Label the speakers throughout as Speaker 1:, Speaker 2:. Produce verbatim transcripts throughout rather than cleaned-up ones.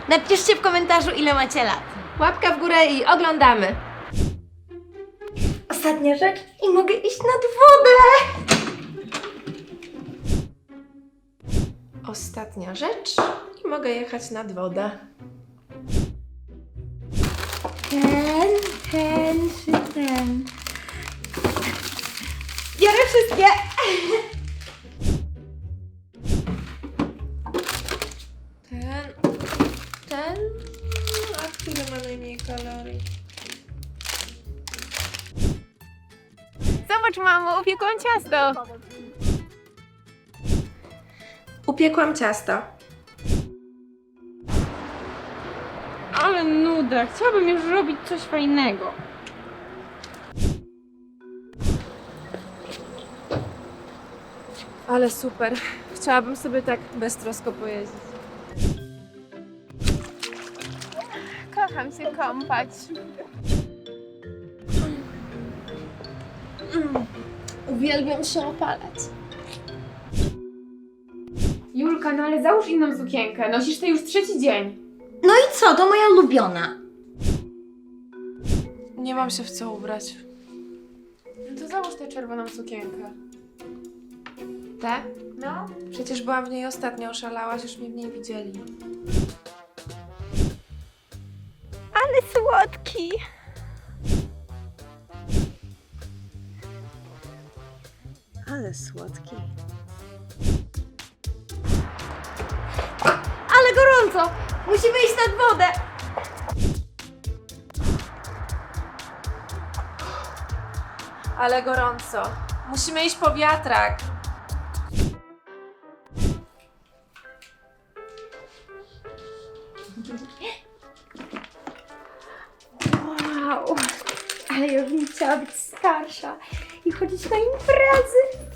Speaker 1: Napiszcie w komentarzu, ile macie lat.
Speaker 2: Łapka w górę i oglądamy.
Speaker 1: Ostatnia rzecz i mogę iść nad wodę.
Speaker 2: Ostatnia rzecz i mogę jechać nad wodę.
Speaker 1: Ten, ten czy ten? Biorę wszystkie.
Speaker 2: Ten, ten, a który ma najmniej kalorii?
Speaker 3: Zobacz, mamo, upiekłam ciasto.
Speaker 2: Upiekłam ciasto.
Speaker 3: Ale nuda, chciałabym już robić coś fajnego.
Speaker 2: Ale super. Chciałabym sobie tak beztrosko pojeździć.
Speaker 3: Kocham się kąpać.
Speaker 2: Uwielbiam się opalać.
Speaker 3: Julka, no ale załóż inną sukienkę. Nosisz to już trzeci dzień.
Speaker 1: No i co? To moja ulubiona.
Speaker 2: Nie mam się w co ubrać.
Speaker 3: No to załóż tę czerwoną sukienkę.
Speaker 2: Te?
Speaker 3: No.
Speaker 2: Przecież byłam w niej ostatnio, oszalałaś, już mnie w niej widzieli.
Speaker 1: Ale słodki.
Speaker 2: Ale słodki.
Speaker 1: Ale gorąco. Musimy iść nad wodę.
Speaker 2: Ale gorąco. Musimy iść po wiatrak.
Speaker 1: Wow. Ale ja bym chciała być starsza i chodzić na imprezy.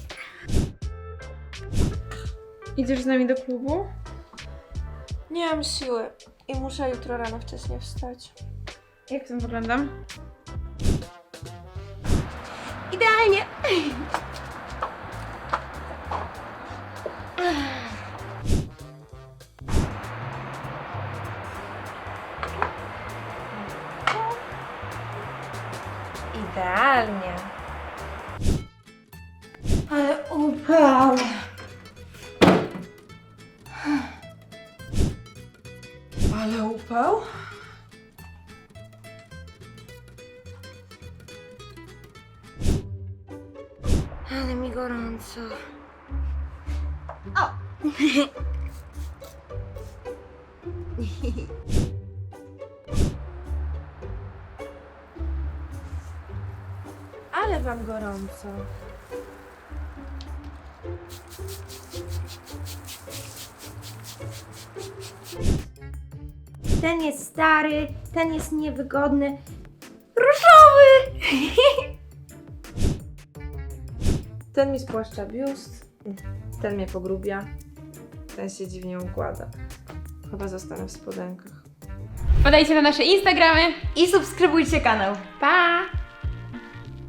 Speaker 3: Idziesz z nami do klubu?
Speaker 2: Nie mam siły i muszę jutro rano wcześniej wstać.
Speaker 3: Jak w tym wyglądam?
Speaker 1: Idealnie.
Speaker 2: Idealnie.
Speaker 1: Ale upał.
Speaker 2: Ale upał?
Speaker 1: Ale mi gorąco. O!
Speaker 2: Ale wam gorąco.
Speaker 1: Ten jest stary, ten jest niewygodny. Różowy!
Speaker 2: Ten mi spłaszcza biust, ten mnie pogrubia, ten się dziwnie układa. Chyba zostanę w spodenkach.
Speaker 3: Podajcie na nasze Instagramy.
Speaker 1: I subskrybujcie kanał.
Speaker 3: Pa!